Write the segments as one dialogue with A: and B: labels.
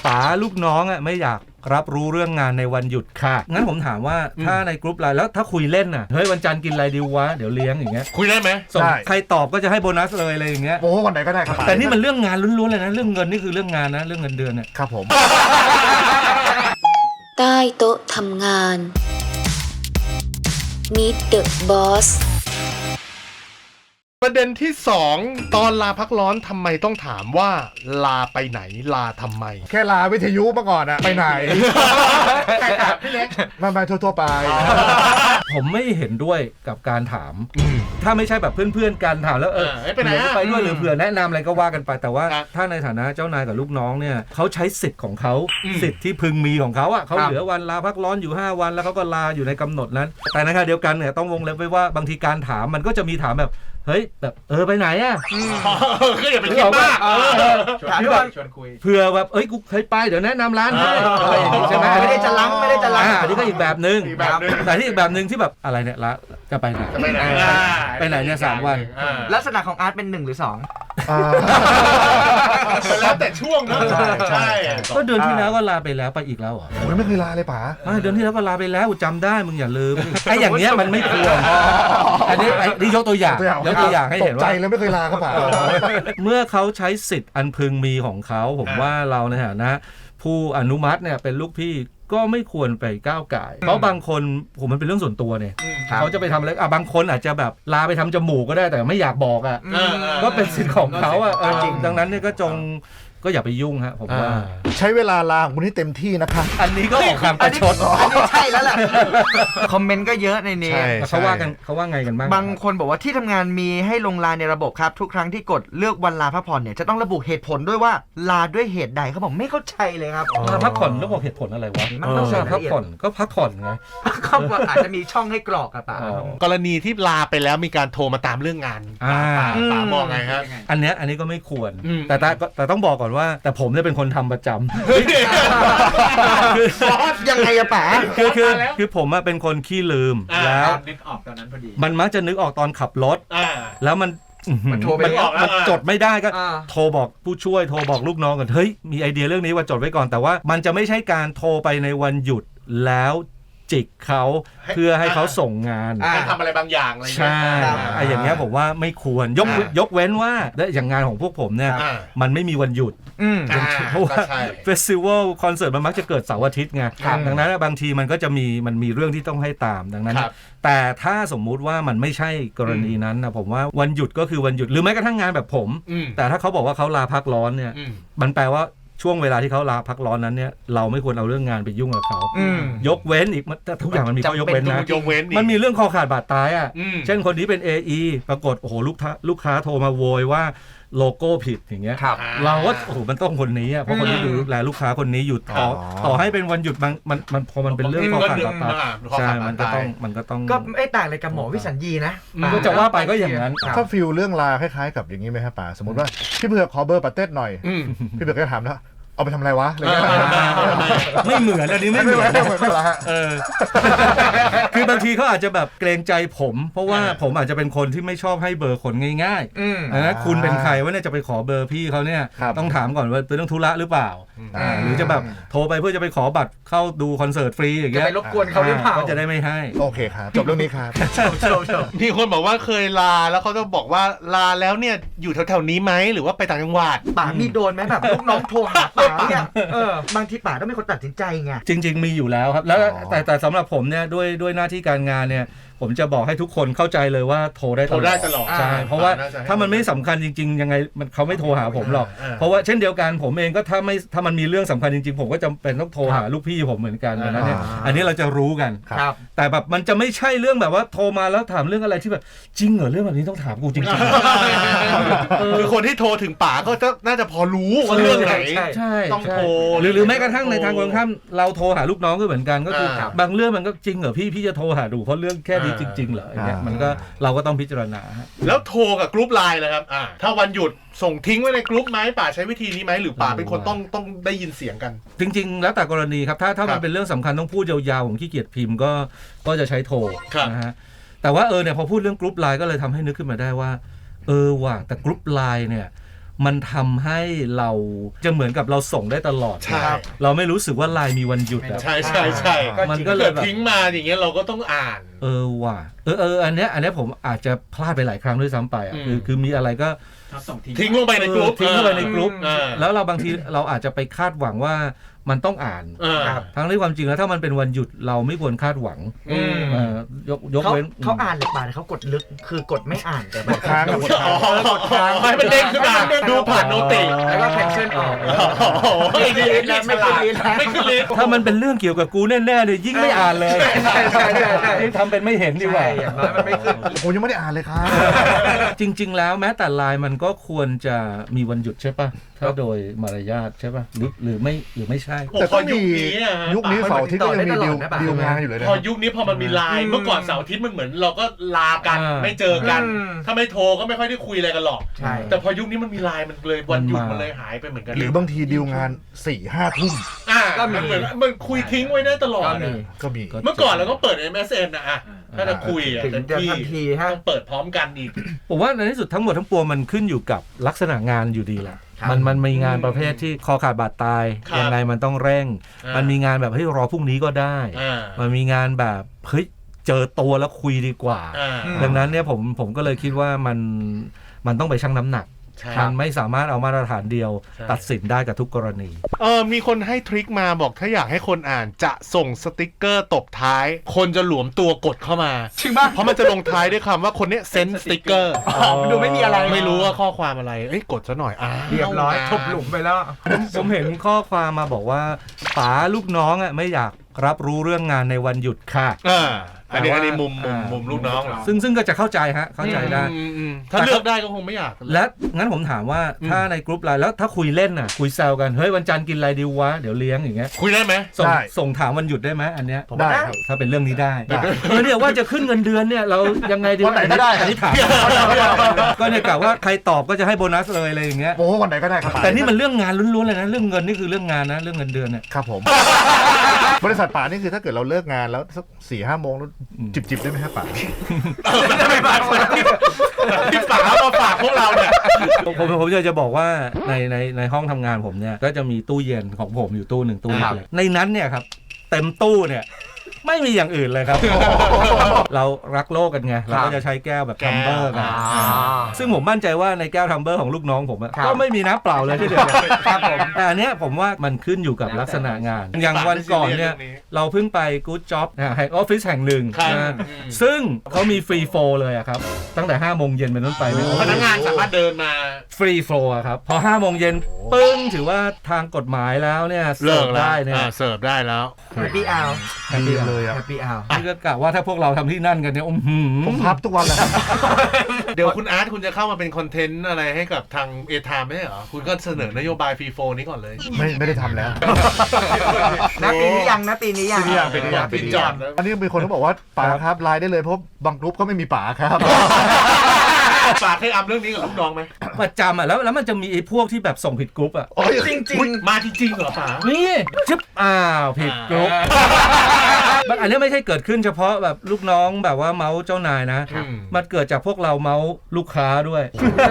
A: ป๋าลูกน้องไม่อยากรับรู้เรื่องงานในวันหยุดค่ะงั้นผมถามว่าถ้าในกรุ๊ปไลน์แล้วถ้าคุยเล่นน่ะเฮ้ยวันจันทร์กินอะไรดีวะเดี๋ยวเลี้ยงอย่างเงี้ย
B: คุยได้ไหม
A: ส่งใครตอบก็จะให้โบนัสเลยอะไรอย่างเงี้ย
C: โอ้วันไหนก็ได้ครับ
A: แต่นี่มันเรื่องงานล้วนๆเลยนะเรื่องเงินนี่คือเรื่องงานนะเรื่องเงินเดือนเนี่ย
C: ครับผม
D: ใต้โต๊ะทำงาน Meet the Boss
B: ประเด็นที่2ตอนลาพักร้อนทำไมต้องถามว่าลาไปไหนลาทำไม
C: แค่ลาวิทยุมาก่อนอะไปไหนพี่เล็กมาทั่วไป
A: ผมไม่เห็นด้วยกับการถามถ้าไม่ใช่แบบเพื่อนๆกันถามแล้ว
B: ไปไหน
A: ไปด้วยหรือเผื่อแนะนำอะไรก็ว่ากันไปแต่ว่าถ้าในฐานะเจ้านายกับลูกน้องเนี่ยเขาใช้สิทธิ์ของเขาสิทธิ์ที่พึงมีของเขาอ่ะเขาเหลือวันลาพักร้อนอยู่5วันแล้วเขาก็ลาอยู่ในกำหนดนั้นแต่ในขณะเดียวกันเนี่ยต้องวงเล็บไว้ว่าบางทีการถามมันก็จะมีถามแบบเฮ้ยแบบไปไหนอ่ะ
B: ก็อย่าไปคิดมาก
A: ชวนคุยเผื่อแบบกูเคยไปเดี๋ยวแนะนำร้านให้อะไรอย่างงี้ใช่ไหม
E: ไม่ได้จะล้ำ
A: อันนี้ก็อีกแบบนึงแต่ที่อีกแบบนึงที่แบบอะไรเนี่ยละจะไปไหนเนี่ย3 วัน
E: ลักษณะของอาร์ตเป็น1หรือ2
B: แล้วแต่ช่วงนะใช่
A: ก็เดือนที่แล้วก็ลาไปแล้วไปอีกแล้วเหรอ
C: ผมไม่เคยลาเลยป๋า
A: เดือนที่แล้วก็ลาไปแล้วจำได้มึงอย่าลืมไอ้อย่างเงี้ยมันไม่ควรอันนี้ยกตัวอย่างให้เห็นว่า
C: ตกใจแล้วไม่เคยลาครับป๋า
A: เมื่อเขาใช้สิทธิ์อันพึงมีของเขาผมว่าเราในฐานะผู้อนุมัติเนี่ยเป็นลูกพี่ก็ไม่ควรไปก้าวก่ายเพราะบางคนผมมันเป็นเรื่องส่วนตัวเนี่ยเขาจะไปทำอะไรบางคนอาจจะแบบลาไปทำจมูกก็ได้แต่ไม่อยากบอกก็เป็นสิทธิ์ของเขาดังนั้นเนี่ยก็อย่าไปยุ่งฮะผมว่า
C: ใช้เวลาลาของคุณให้เต็มที่นะคะ
A: อันนี้ก็ออกคำประชด
E: อันนี้ใช่แล้วแหละคอมเมนต์ก็เยอะในนี้
A: เขาว่าไงกันบ้าง
E: บางคนบอกว่าที่ทำงานมีให้ลงลาในระบบครับทุกครั้งที่กดเลือกวันลาพักผ่อนเนี่ยจะต้องระบุเหตุผลด้วยว่าลาด้วยเหตุใดเขาบอกไม่เข้าใจเลยครับ
A: ลาพักผ่อนแล้วบอกเหตุผลอะไรวะพักผ่อนก็พักผ่อนไง
E: เขาอาจจะมีช่องให้กรอกป่ะ
B: กรณีที่ลาไปแล้วมีการโทรมาตามเรื่องงานป๋ามองไงครับ
A: อันนี้ก็ไม่ควรแต่ต้องบอกก่อนว่าแต่ผมเนี่ยเป็นคนทำประจ
E: ำยังไงอะป๋า
A: คือผมเป็นคนขี้ลืมแล้ว
E: นึกออกตอนนั้นพอดี
A: มันมักจะนึกออกตอนขับรถแล้วมันจดไม่ได้ก็โทรบอกผู้ช่วยโทรบอกลูกน้องกันเฮ้ยมีไอเดียเรื่องนี้ว่าจดไว้ก่อนแต่ว่ามันจะไม่ใช่การโทรไปในวันหยุดแล้วจิกเขาเพื่อให้เขาส่งงาน
B: ทำอะไรบางอย่างอะไร
A: ใช่อย่างเงี้ยผมว่าไม่ควรยกเว้นว่าอย่างงานของพวกผมเนี่ยมันไม่มีวันหยุดเพราะว่าเฟสติวัลคอนเสิร์ตมันมักจะเกิดเสาร์อาทิตย์ไงดังนั้นบางทีมันก็จะมีเรื่องที่ต้องให้ตามดังนั้นแต่ถ้าสมมุติว่ามันไม่ใช่กรณีนั้นนะผมว่าวันหยุดก็คือวันหยุดหรือแม้กระทั่งงานแบบผมแต่ถ้าเขาบอกว่าเขาลาพักร้อนเนี่ยมันแปลว่าช่วงเวลาที่เขาลาพักร้อนนั้นเนี่ยเราไม่ควรเอาเรื่องงานไปยุ่งกับเขายกเว้นอีกแต่ทุกอย่างมันมีข้อยกเว้นนะมันมีเรื่องคอขาดบาดตายเช่นคนนี้เป็น AE ปรากฏโอ้โหลูกค้าโทรมาโวยว่าโลโก้ผิดอย่างเงี้ยเราก็โอ้โหมันต้องคนนี้เพราะคนนี้ดูแลลูกค้าคนนี้อยู่ต่อให้เป็นวันหยุดมันพอมันเป็นเรื่องคอขาดบาดตายใช่มันก็ต้อง
E: ก็ไม่ต่างอะไรกับหมอวิสัญญีนะ
A: ก็จะว่าไปก็อย่างนั้น
C: ถ้าฟีลเรื่องลาคล้ายๆกับอย่างนี้ไหมครับป๋าสมมติว่าพี่เผือกขอเบอร์ปาเต้หน่อยพี่เผือกก็ถามแล้วเอาไปทำอะไรวะ
A: ไม่เหมือนอันนี้ไม่เหมือนคือบางทีเขาอาจจะแบบเกรงใจผมเพราะว่าผมอาจจะเป็นคนที่ไม่ชอบให้เบอร์คนง่ายๆนะคุณเป็นใครว่าเนี่ยจะไปขอเบอร์พี่เขาเนี่ยต้องถามก่อนว่าเป็นเรื่องธุระหรือเปล่าหรือจะแบบโทรไปเพื่อจะไปขอบัตรเข้าดูคอนเสิร์ตฟรีอย่างเงี้ย
E: จะไปรบกวนเขาหรือเปล่า
A: ก็จะได้ไม่ให้
C: โอเคครับจบเรื่องนี้ครับ
B: มีคนบอกว่าเคยลาแล้วเขาจะบอกว่าลาแล้วเนี่ยอยู่แถวๆนี้ไหมหรือว่าไปต่างจังหวัด
E: ป๋ามีโดนไหมแบบลูกน้องโทรหาป๋าเนี่ยบางทีป๋าต้องเป็นคนตัดสินใจไง
A: จริงๆมีอยู่แล้วครับแล้วแต่สำหรับผมเนี่ยด้วยหน้าที่การงานเนี่ยผมจะบอกให้ทุกคนเข้าใจเลยว่าโทรได้ตลอดใช่เพราะว่าถ้ามันไม่สำคัญจริงๆยังไงเขาไม่โทรหาผมหรอกเพราะว่าเช่นเดียวกันผมเองก็ถ้ามันมีเรื่องสำคัญจริงๆผมก็จำเป็นต้องโทรหาลูกพี่ผมเหมือนกันนะเนี่ยอันนี้เราจะรู้กันแต่แบบมันจะไม่ใช่เรื่องแบบว่าโทรมาแล้วถามเรื่องอะไรที่แบบจริงเหรอเรื่องแบบนี้ต้องถามกูจริง
B: ๆคือคนที่โทรถึงป๋าก็น่าจะพอรู้ว่าเรื่องไหนต้องโทร
A: หรือแม้กระทั่งในทางตรงข้ามเราโทรหาลูกน้องก็เหมือนกันก็คือบางเรื่องมันก็จริงเหรอพี่จะโทรหาดูเพราะเรื่องแค่จริงๆเหรออย่างเงี้ยมันก็เราก็ต้องพิจารณา
B: แล้วโทรกับกรุ๊ปไลน์เลยครับถ้าวันหยุดส่งทิ้งไว้ในกรุ๊ปไหมป่าใช้วิธีนี้ไหมหรือป่าเป็นคนต้องได้ยินเสียงกัน
A: จริงๆแล้วแต่กรณีครับถ้ามันเป็นเรื่องสำคัญต้องพูดยาวๆผมขี้เกียจพิมพ์ก็จะใช้โทรนะฮะแต่ว่าเนี่ยพอพูดเรื่องกรุ๊ปไลน์ก็เลยทำให้นึกขึ้นมาได้ว่าว่ะแต่กรุ๊ปไลน์เนี่ยมันทำให้เราจะเหมือนกับเราส่งได้ตลอด
B: ใช่
A: เราไม่รู้สึกว่าไลน์มีวันหยุดอะ
B: ใช่
A: มันก็เลยแบบ
B: ทิ้งมาอย่างเงี้ยเราก็ต้องอ่าน
A: ว่ะอันเนี้ยผมอาจจะพลาดไปหลายครั้งด้วยซ้ำไปอ่ะคือมีอะไรก็
B: ทิ้งลงไปในกลุ่ม
A: ทิ้งลงไปในกลุ่มแล้วเราบางทีเราอาจจะไปคาดหวังว่ามันต้องอ่านทั้งที่ความจริงแล้วถ้ามันเป็นวันหยุดเราไม่ควรคาดหวังยกเว้น
E: เขาอ่านหรือเปล่าเขากดลึกคือกดไม่อ่านแต่แบบ
C: ค้าง
E: กดค้าง
B: ให้มันเด้งขึ้นมาดูผ่านโนติ
E: แล้วก็แคนเซิลออกไม่ขึ้นลิสต์ไม่ขึ้นลิสต์
A: ถ้ามันเป็นเรื่องเกี่ยวกับกูแน่ๆเลยยิ่งไม่อ่านเลยใช่ทำเป็นไม่เห็นดีกว่า
E: อย่างน้อยมันไม่ขึ้น
C: ผมยังไม่ได้อ่านเลยครับ
A: จริงๆแล้วแม้แต่ไลน์มันก็ควรจะมีวันหยุดใช่ป่ะถ้าโดยมารยาทใช่ป่ะหรือไม่ใช่
C: แต่ก็มียุคนี้เสาร์อาทิตย์ก็ยังมีดีลงานอยู่เลยนะ
B: พอยุคนี้พอมันมีไลน์เมื่อก่อนเสาร์อาทิตย์มันเหมือนเราก็ลากันไม่เจอกันถ้าไม่โทรก็ไม่ค่อยได้คุยอะไรกันหรอกแต่พอยุคนี้มันมีไลน์มันเลยวันหยุดมันเลยหายไปเหมือนกัน
C: หรือบางทีดีลงาน 4-5 ทุ่ม
B: ก็มีเหมือนมันคุยทิ้งไว้ได้ตลอด
C: ก็มี
B: เมื่อก่อนเราก็เปิด MSN นะถ้าจะคุย
E: ถึงจะทันที
B: ต้องเปิดพร้อมกันอีก
A: ผมว่าในที่สุดทั้งหมดทั้งปวงมันขึ้นอยู่กับลักษณะงานอยู่ดีแหละมันมีงานประเภทที่คอขาดบาดตายยังไงมันต้องเร่งมันมีงานแบบให้รอพรุ่งนี้ก็ได้มันมีงานแบบเฮ้ยเจอตัวแล้วคุยดีกว่าดังนั้นเนี่ยผมก็เลยคิดว่ามันต้องไปชั่งน้ำหนักมันไม่สามารถเอามาตรฐานเดียวตัดสินได้กับทุกกรณี
B: มีคนให้ทริคมาบอกถ้าอยากให้คนอ่านจะส่งสติ๊กเกอร์ตบท้ายคนจะหลวมตัวกดเข้ามา
E: จริงป่ะ
B: เพราะมันจะลงท้ายด้วยคำว่าคนนี้เซนสติ๊กเกอร์
E: ดูไม่มีอะไร
B: ไม่รู้ว่าข้อความอะไรกดซะหน่อย
E: เรียบร้อยทบหลุมไปแล้ว
A: ผมเห็นข้อความมาบอกว่าป๋าลูกน้องไม่อยากรับรู้เรื่องงานในวันหยุดค่ะ
B: อันนี้มุมลูกน้องเหรอ
A: ซึ่งก็จะเข้าใจเข้าใจได้
B: ถ้าเลือกได้ก็คงไม่อยาก
A: และงั้นผมถามว่าถ้าในกรุ๊ปไลน์แล้วถ้าคุยเล่นคุยแซวกันเฮ้ยวันจันทร์กินอะไรดีวะเดี๋ยวเลี้ยงอย่างเงี้ย
B: คุยได้ไหม
A: ส่งถามวันหยุดได้ไหมอันเนี้ย
C: ได้ครับ
A: ถ้าเป็นเรื่องนี้ได้เนี่ยว่าจะขึ้นเงินเดือนเนี่ยเรายังไงดี
C: วันไหนก็ได้
A: อันนี้ถามก็เนี่ยกะว่าใครตอบก็จะให้โบนัสเลยอะไรอย่างเงี้ย
C: โอ้วันไหนก็ได้ครับ
A: แต่นี่มันเรื่องงานล้วนๆเลยนะเรื่องเงินนี่คือเรื่องงานนะเรื่องเงินเดือนเนี่ย
C: ครับผมบริษัทป่านี่คือถ้าเกิดเราเลิกงานแล้วสัก 4-5 โมงแล้วจิบได้ไหมครับป่า
B: ไม่ป่าที่ป่ามาฝากพวกเราเนี่ย
A: ผมจะบอกว่าในห้องทำงานผมเนี่ยก็จะมีตู้เย็นของผมอยู่ตู้หนึ่งตู้เล็กในนั้นเนี่ยครับเต็มตู้เนี่ยไม่มีอย่างอื่นเลยครับเรารักโลกกันไงเราก็จะใช้แก้วแบบทัมเบอร์กันซึ่งผมมั่นใจว่าในแก้วทัมเบอร์ของลูกน้องผมก็ไม่มีน้ำเปล่าเลยที่เดียวครับผมแต่อันเนี้ยผมว่ามันขึ้นอยู่กับลักษณะงานอย่างวันก่อนเนี่ยเราเพิ่งไป Good Job แห่งออฟฟิศแห่งหนึ่งซึ่งเขามีฟรีโฟลเลยครับตั้งแต่ 5 โมงเย็นเป็นต้นไป
B: พนักงานสามารถเดินมา
A: ฟรีโฟลครับพอ 5 โมงเย็นปึ้งถือว่าทางกฎหมายแล้วเนี่ยเสิร์ฟได้เนี่ย
B: เสิร์ฟได้แล้ว
E: Happy Hour
C: เลยอ่ะ
E: Happy Hour
A: นี่ก็กะว่าถ้าพวกเราทำที่นั่นกันเนี่ย
C: ผมพับทุกวันเลย
B: เดี๋ยวคุณอาร์ตคุณจะเข้ามาเป็นคอนเทนต์อะไรให้กับทางเอทามไม่ใช่เหรอคุณก็เสนอนโยบายฟรีโฟนี้ก่อนเลย
C: ไม่ได้ทำแล้ว
E: ปีนี้ยังปีนี้ยัง
B: จอด
C: อันนี้มีคนเขาบอกว่าป๋าครับไลน์ได้เลยเพราะบางกรุ๊ปก็ไม่มีป๋าครับ
B: ฝากให้อัพเรื่องนี้กับลูกน้องไหม
A: ประจำแล้วมันจะมีไอ้พวกที่แบบส่งผิดกรุ๊ป
B: จริงมาจริงเหรอป๋า
A: นี่ชิบผิดกรุ๊ปอันนี้ไม่ใช่เกิดขึ้นเฉพาะแบบลูกน้องแบบว่าเมาส์เจ้านายนะมันเกิดจากพวกเราเมาส์ลูกค้าด้วย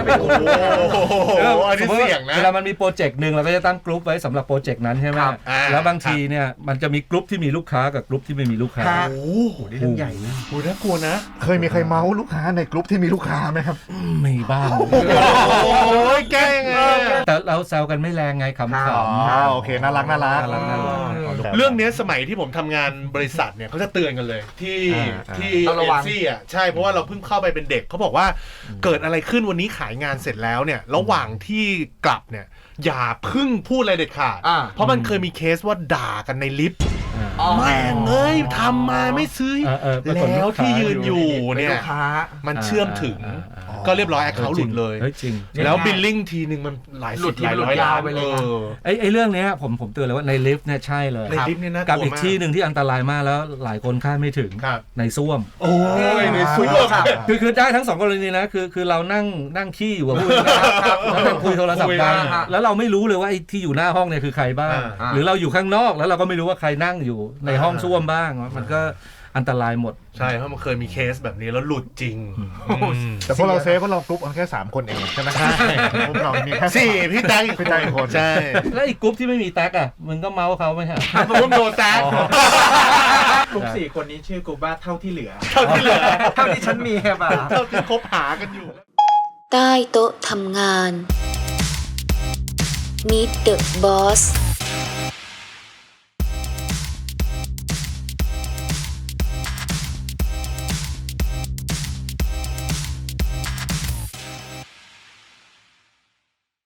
B: อันนี้เสี่ยงนะ
A: เวลามันมีโปรเจกต์นึงเราก็จะตั้งกรุ๊ปไว้สำหรับโปรเจกต์นั้นใช่ไหมแล้วบางทีเนี่ยมันจะมีกรุ๊ปที่มีลูกค้ากับกรุ๊ปที่ไม่มีลูกค้า
E: โอ้โหนี่เรื่องใหญ่นะ
B: โอ้น่ากลัวนะ
C: เคยมีใครเมาส์ลูกค้าในกรุ๊ปที่มีลูกค้าไหมครับ
A: มีบ้าง
B: โอ้ยแกล้ง
A: แต่เราแซวกันไม่แรงไงขำ
C: ๆโอเคน่ารัก
B: เรื่องนี้สมัยที่ผมทำงานบริษัทเนี่ยเขาจะเตือนกันเลยที่เอเจนซี่ใช่เพราะว่าเราเพิ่งเข้าไปเป็นเด็กเขาบอกว่าเกิดอะไรขึ้นวันนี้ขายงานเสร็จแล้วเนี่ยระหว่างที่กลับเนี่ยอย่าพึ่งพูดอะไรเด็ดขาดเพราะมันเคยมีเคสว่าด่ากันในลิฟต์แม่งเอ้ยทำมาไม่ซื้อแล้วที่ยืนอยู่เนี่ยมันเชื่อมถึงก็เรียบร้อยแอคเคาท์หลุดเลยแล้วบิลลิ่งทีนึงมันหลายสิบหลายร้อยล้านไปเลย
A: ไอ้เรื่องนี้ผมเตือนเลยว่าในลิฟต์เนี่ยใช่เลย
B: ในลิฟต์เนี่ยน่ากลัวมาก
A: กับอีกที่หนึ่งที่อันตรายมากแล้วหลายคนคาดไม่ถึงในส้วม
B: โอ้ยในส้วม
A: คือได้ทั้ง2กรณีนะคือเรานั่งขี้อยู่กับผู้นะครับแล้วนั่งคุยโทรศัพท์กันแล้วเราไม่รู้เลยว่าไอ้ที่อยู่หน้าห้องเนี่ยคือใครบ้างหรือเราอยู่ข้างนอกแล้วเราก็ไม่รู้ว่าใครนั่งอยู่ในห้องส้วมบ้างมันก็อันตรายหมด
B: ใช่เพราะมันเคยมีเคสแบบนี้แล้วหลุดจริง
C: แต่พวกเราเซฟเพราะเรากรุ๊ปกันแค่3คนเองใช่ไหมใช่พวกเรามีแค่
B: 4พี่แท็กอีกคนใช่
A: แล้วอีกกรุ๊ปที่ไม่มีแท็กอ่ะมึงก็เมาส์เขาไม่ใช่
B: กรุ๊ปโดนแท็ก
F: กลุ่ม4คนนี้ชื่อกลุ่มว่าเท่าที่เหลือ
B: เท่า
E: ที่ฉันมีครับ
B: เท่าที่คบหากันอยู่
D: ใต้โต๊ะทำงาน Meet the Boss